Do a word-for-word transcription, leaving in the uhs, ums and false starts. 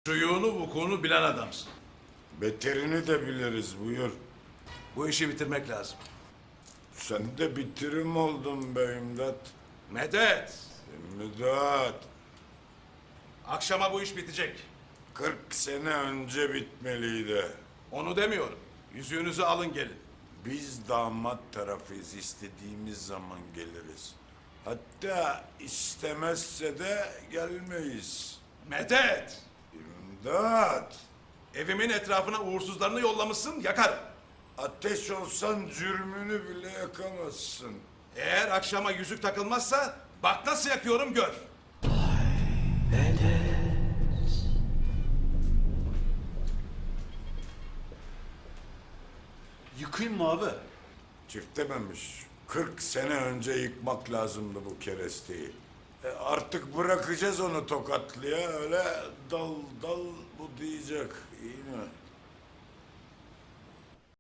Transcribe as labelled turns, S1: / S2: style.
S1: Şuyunu vukuunu bilen adamsın.
S2: Beterini de biliriz, buyur.
S1: Bu işi bitirmek lazım.
S2: Sen de bitirim oldun be İmdat.
S1: Medet!
S2: İmdat.
S1: Akşama bu iş bitecek.
S2: Kırk sene önce bitmeliydi.
S1: Onu demiyorum. Yüzüğünüzü alın gelin.
S2: Biz damat tarafıyız, istediğimiz zaman geliriz. Hatta istemezse de gelmeyiz.
S1: Medet!
S2: İmdat.
S1: Evimin etrafına uğursuzlarını yollamışsın, yakarım.
S2: Ateş olsan cürmünü bile yakamazsın.
S1: Eğer akşama yüzük takılmazsa bak nasıl yakıyorum gör.
S3: Yıkayım mı abi?
S2: Çiftememiş. Kırk sene önce yıkmak lazımdı bu keresteyi. E artık bırakacağız onu tokatlıya, öyle dal dal bu diyecek, iyi mi?